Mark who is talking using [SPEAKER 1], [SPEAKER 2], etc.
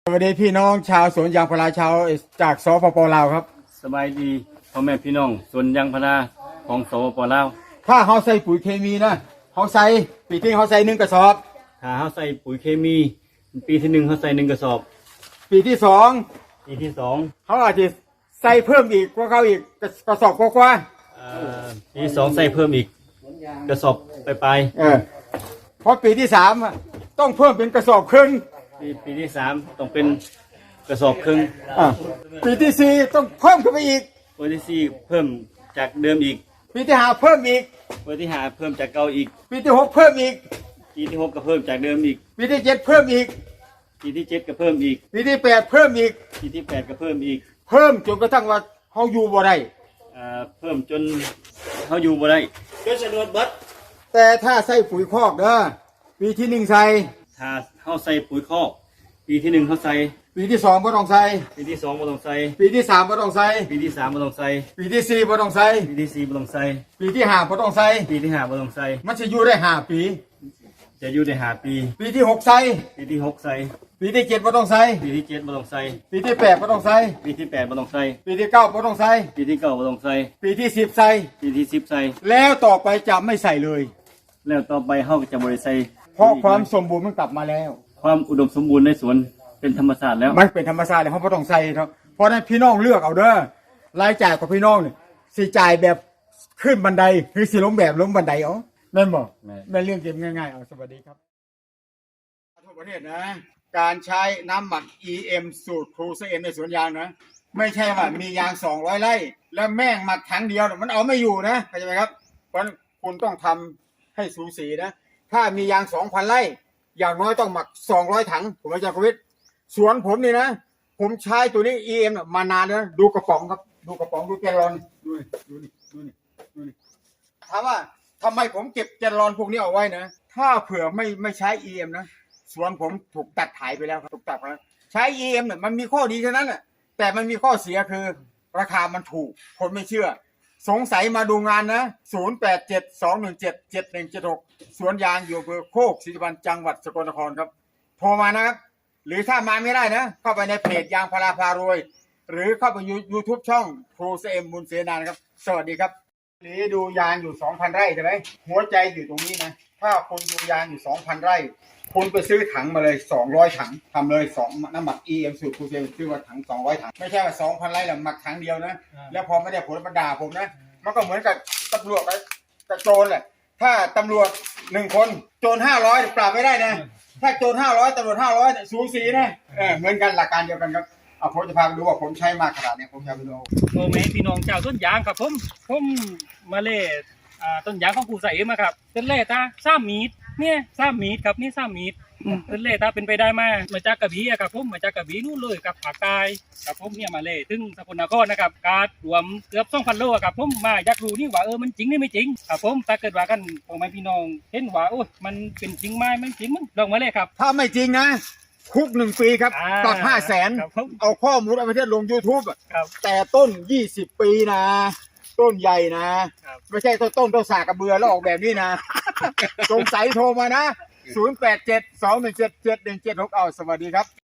[SPEAKER 1] สวัสดีพี่น้องชาวสวนยางพาราชาวจากสปป.ลาวครับ
[SPEAKER 2] สบายดีพ่อแม่พี่น้องสวนยางพาราของสปป.ลาว
[SPEAKER 1] ถ้าเขาใส่ปุ๋ยเคมีนะเขาใส่ปีที่เขาใส่1 กระสอบ
[SPEAKER 2] ถ้าเขาใส่ปุ๋ยเคมีปีที่1เขาใส่1 กระสอบ
[SPEAKER 1] ปีที่2เขาอาจจะใส่เพิ่มอีกกว่าเขาอีกกระสอบกว่า
[SPEAKER 2] ปีที่2ใส่เพิ่มอีกกระสอบไป
[SPEAKER 1] เพราะปีที่3ต้องเพิ่มเป็นกระสอบครึ่ง
[SPEAKER 2] ปีที่3ต้องเป็นกระสอบครึ่ง
[SPEAKER 1] ปีที่4ต้องเพิ่มขึ้นไปอีก
[SPEAKER 2] ปีที่4เพิ่มจากเดิมอีก
[SPEAKER 1] ปีที่5เพิ่มอีก
[SPEAKER 2] ปีที่5เพิ่มจากเก่าอีก
[SPEAKER 1] ปีที่6เพิ่มอีก
[SPEAKER 2] ปีที่6ก็เพิ่มจากเดิมอีก
[SPEAKER 1] ปีที่7เพิ่มอีก
[SPEAKER 2] ปีที่7ก็เพิ่มอีก
[SPEAKER 1] ปีที่8เพิ่มอีก
[SPEAKER 2] ปีที่8ก็เพิ่มอีก
[SPEAKER 1] เพิ่มจนกระทั่งว่าเขาอยู่บ่ได้
[SPEAKER 2] เพิ่มจนเขาอยู่บ่ได้
[SPEAKER 1] จนสะดุดเบิดแต่ถ้าใส่ปุ๋ยคอกเด้อปีที่1ใส่
[SPEAKER 2] ถ้าเขาใส่ปุ๋ยคอกปีที่1เขาใส่
[SPEAKER 1] ปีที่2บ่ต้องใส่
[SPEAKER 2] ปีที่2บ่ต้องใส่
[SPEAKER 1] ปีที่3บ่ต้องใส่
[SPEAKER 2] ปีที่3บ่ต้องใส่
[SPEAKER 1] ปีที่4บ่ต้องใส่
[SPEAKER 2] ปีที่4บ่ต้องใส่
[SPEAKER 1] ปีที่5บ่ต้องใส่
[SPEAKER 2] ปีที่5บ่ต้องใส่
[SPEAKER 1] มันจะอยู่ได้5 ปี
[SPEAKER 2] จะอยู่ได้5 ปี
[SPEAKER 1] ปีที่6ใส่
[SPEAKER 2] ปีที่6ใส่
[SPEAKER 1] ปีที่7บ่ต้องใส่
[SPEAKER 2] ปีที่7บ่ต้องใส่
[SPEAKER 1] ปีที่8บ่ต้องใส่
[SPEAKER 2] ปีที่8บ่ต้องใส่
[SPEAKER 1] ปีที่9บ่ต้องใส่
[SPEAKER 2] ปีที่9บ่ต้องใส่
[SPEAKER 1] ปีที่10ใส่
[SPEAKER 2] ปีที่10ใส่
[SPEAKER 1] แล้วต่อไปจะไม่ใส่เลย
[SPEAKER 2] แล้วต่อไปเฮาก็จะบ่ได้ใส่
[SPEAKER 1] เพราะความสมบูรณ์มันกลับมาแล้ว
[SPEAKER 2] ความอุดมสมบูรณ์ในสวนเป็นธรรมชาติแล้ว
[SPEAKER 1] มันเป็นธรรมชาติแล้วเขาบ่ต้องใส่ครับเพราะนั้นพี่น้องเลือกเอาเด้อรายจ่ายของพี่น้องนี่สิจ่ายแบบขึ้นบันไดหรือสิลงแบบลงบันไดเอาแม่นบ่แม่นเรื่องเกมง่ายๆเอาสวัสดีครับทั่วประเทศนะการใช้น้ำหมัก EM สูตรครูเซเอ็มในสวนยางนะไม่ใช่ว่ามียาง200 ไร่แล้วแม่งหมักถังเดียวมันเอาไม่อยู่นะเข้าใจไหมครับเพราะคุณต้องทำให้สูสีนะถ้ามียาง 2,000 ไร่อย่างน้อยต้องหมัก200 ถังผมอาจารย์กวิทย์สวนผมนี่นะผมใช้ตัวนี้ EM มานานแล้วดูกระป๋องครับดูกระป๋องดูแกลลอนดูนี่ถามว่าทำไมผมเก็บแกลลอนพวกนี้เอาไว้นะถ้าเผื่อไม่ใช้ EM นะสวนผมถูกตัดขายไปแล้วครับถูกตัดแล้วใช้ EM เนี่ยมันมีข้อดีเท่านั้นแหละแต่มันมีข้อเสียคือราคามันถูกคนไม่เชื่อสงสัยมาดูงานนะ0872177176สวนยางอยู่อำเภอโคกศรีสุวรรณจังหวัดสกลนครครับโทรมานะครับหรือถ้ามาไม่ได้นะเข้าไปในเพจยางพาราพารวยหรือเข้าไปYouTube ช่องครูเซเอ็มบุญเสนานะครับสวัสดีครับนี่ดูยางอยู่ 2,000 ไร่ใช่ไหมหัวใจอยู่ตรงนี้นะถ้าคุณดูยางอยู่ 2,000 ไร่คุณไปซื้อถังมาเลย200 ถังทำเลย2น้ำหมัก EM สูตรครูเซเอ็มซื้อมาถัง200 ถังไม่ใช่ว่า 2,000 ไร่แล้วหมักถังเดียวนะแล้วพอไม่ได้ผลมาด่าผมนะมันก็เหมือนกับตำรวจกับโจรแหละถ้าตำรวจ1 คนโจร500ปราบไม่ได้นะถ้าโจร500ตำรวจ500สูสีนะเหมือนกันหลักการเดียวกันครับเอาผมจะพาไปดูว่าผมใช้มากขนาดนี้ผมจะไปดู
[SPEAKER 3] โอ้แม่พี่น้องเจ้าต้นยางครับผมมาเล่ต้นยางของครูใส่มาครับต้นเล่ตา3 เมตรเนี่ย3 เมตรครับนี่3 เมตรต้นเล่ตาเป็นไปได้มาจากกระบี่ครับผมมาจากกระบี่นู่นเลยกับภาคใต้ครับผมเนี่ยมาเล่ถึงสกลนครนะครับการรวมเกือบ 2,000 โลครับผมมาอยากรู้นี่ว่ามันจริงนี่ไม่จริงครับผมถ้าเกิดว่ากันพ่อแม่พี่น้องเห็นว่าโอ้มันเป็นจริงไหมมันจริงมั้งลองมาเลยครับ
[SPEAKER 1] ถ้าไม่จริงนะคุก1 ปีครับปรับ500,000เอาข้อมูลเอาไปเทศลง YouTube แต่ต้น20 ปีนะต้นใหญ่นะไม่ใช่ต้นสากกระเบือแล้วออกแบบนี้นะสงสัยโทรมานะ0872177176เอาสวัสดีครับ